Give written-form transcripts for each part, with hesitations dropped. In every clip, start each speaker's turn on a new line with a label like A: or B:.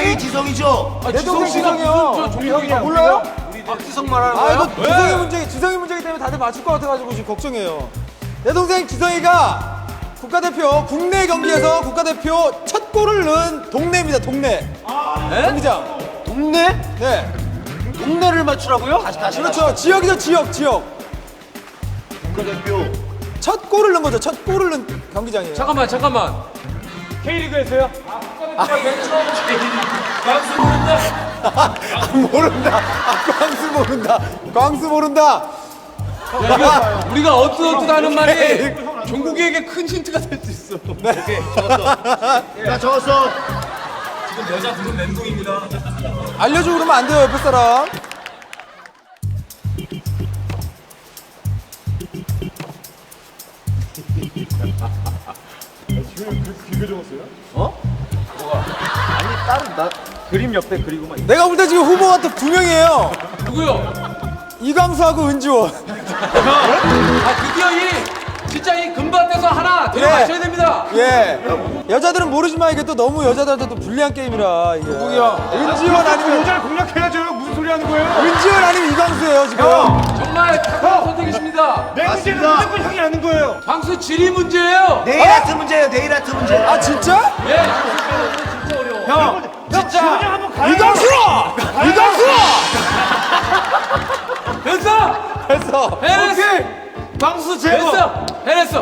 A: 당연히 지성이죠.
B: 내 동생 지성이요.
C: 종형이야.
B: 몰라요?
C: 박지성 말하는
B: 아
C: 거야?
B: 이거 지성이 문제기 때문에 다들 맞출 것 같아가지고 지금 걱정해요. 내 동생 지성이가 국가대표 국내 경기에서 국가대표 첫 골을 넣은 동네입니다. 동네. 경기장.
C: 동네?
B: 네.
C: 동네를 맞추라고요?
B: 그렇죠. 지역이죠. 지역.
A: 국가대표.
B: 첫 골을 넣은 거죠. 첫 골을 넣은 경기장이에요.
D: 잠깐만.
C: K리그에서요?
B: 모른다. 광수 모른다.
D: 우리가 어뜻어뜻하는 말이 종국이에게 큰 힌트가 될 수 있어.
A: 나 적었어.
B: 알려주고 그러면 안 돼요. 옆에 사람.
C: 그림 옆에 그리고만.
B: 내가 볼 때 지금 후보가 또 2명이에요.
D: 누구요?
B: 이광수하고 은지원.
D: 드디어 진짜 이 금반대서 하나 들어가셔야 됩니다.
B: 예. 여자들은 모르지만 이게 또 너무 여자들한테 또 불리한 게임이라 이게. 누구야? 은지원 아니면
C: 여자를 공략해야죠. 무슨 소리 하는 거예요?
B: 은지원 아니면 이광수예요 지금.
D: 정말 탁월한 선택이십니다.
C: 내 문제는
A: 맞습니다.
C: 무조건 형이 아는 거예요.
D: 방수 지리 문제예요.
A: 네일 아트 문제예요. 네일 아트 문제.
B: 아 진짜?
D: 예.
C: 진짜. 한번 가요.
B: 이광수!
D: 됐어. 해냈어.
C: 방수 제거.
D: 해냈어.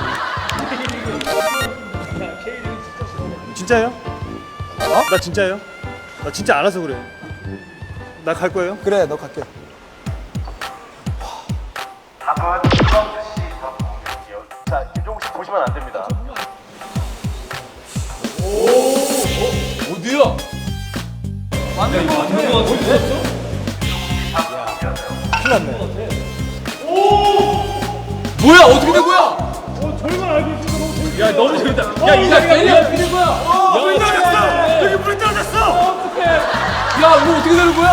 C: 진짜예요? 나 진짜예요? 나 진짜 알아서 그래. 나 갈 거예요?
B: 그래 너 갈게.
E: 답은 이광수 씨 답이요. 자, 김종국 씨 보시면 안 됩니다.
D: 어디야?
B: 큰일 났네.
D: 뭐야? 어떻게 된 거야?
C: 저희만 알고 있으니까 너무 재밌어.
D: 야 너무 재밌다. 야 이 자리가 어떻게 된 거야?
C: 물 떨어졌어! 여기 물 떨어졌어!
D: 야 이거 어떻게 되는 거야?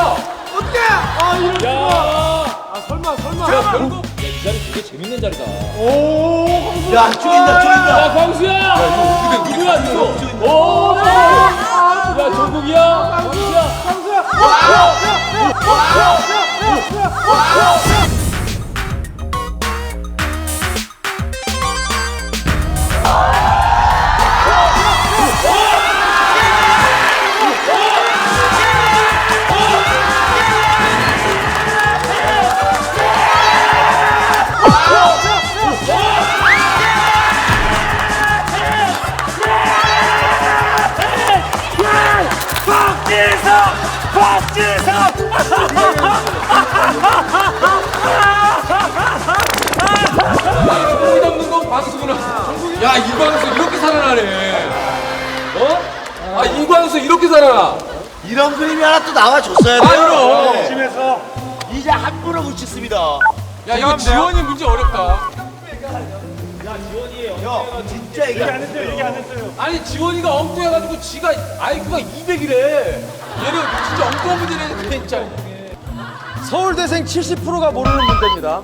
D: 야 결국 이 자리 되게 재밌는 자리다.
A: 야 쪼인다.
D: 야 광수야! 누구야 이거? 오! 야 정국이야? 광수야? 정국이 잡는 건 광수구나. 야 이광수 이렇게 살아나네. 어? 아 이광수 이렇게 살아나.
A: 이런 그림이 하나 또 나와줬어야 돼요.
D: 그럼.
C: 팀에서
A: 이제 한 분을 붙였습니다.
D: 야 이거 지원이 문제 어렵다.
A: 형 진짜 이게
C: 안 했어요.
D: 아니 지원이가 엉뚱해가지고 지가 IQ가 200이래. 얘는 진짜 엉뚱한 문제네 진짜.
B: 서울대생 70%가 모르는 문제입니다.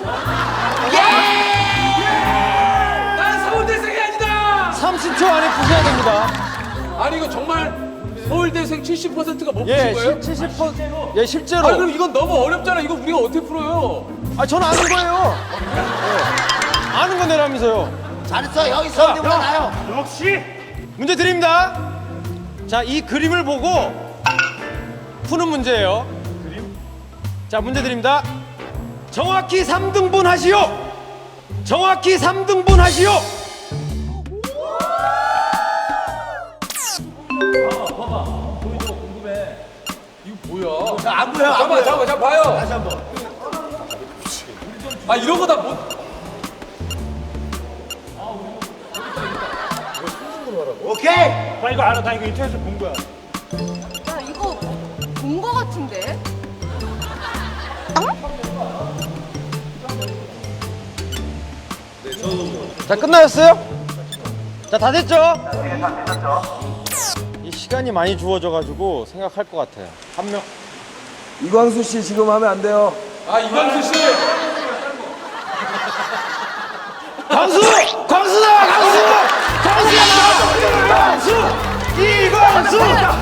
D: 난 서울대생이 아니다.
B: 30초 안에 푸셔야 됩니다.
D: 아니 이거 정말 서울대생 70%가 못
B: 예,
D: 푸신 거예요?
B: 70%. 예, 실제로.
D: 아 그럼 이건 너무 어렵잖아. 이거 우리가 어떻게 풀어요?
B: 아, 저는 아는 거예요. 예. 아는 건 내라면서요.
A: 잘했어. 형이 서울대보다 나요.
C: 역시
B: 문제 드립니다. 자, 이 그림을 보고 푸는 문제예요. 자, 문제 드립니다. 정확히 3등분 하시오. 정확히 3등분 하시오.
D: 뭐야?
A: 안 보여. 안 보여.
D: 잠깐만 봐요.
A: 다시 한 번.
D: 아 이런 거 다 못.
A: 오케이.
C: 나 이거 알아. 나 이거 인터넷에서 본 거야.
F: 야, 이거 본 거 같은데?
B: 자, 끝나셨어요? 자, 다 됐죠?
E: 네, 다 되셨죠?
B: 이 시간이 많이 주어져가지고 생각할 것 같아요. 한 명.
G: 이광수 씨 지금 하면 안 돼요.
D: 아 이광수 씨.
B: 광수! 광수다! 광수! 광수! 이광수!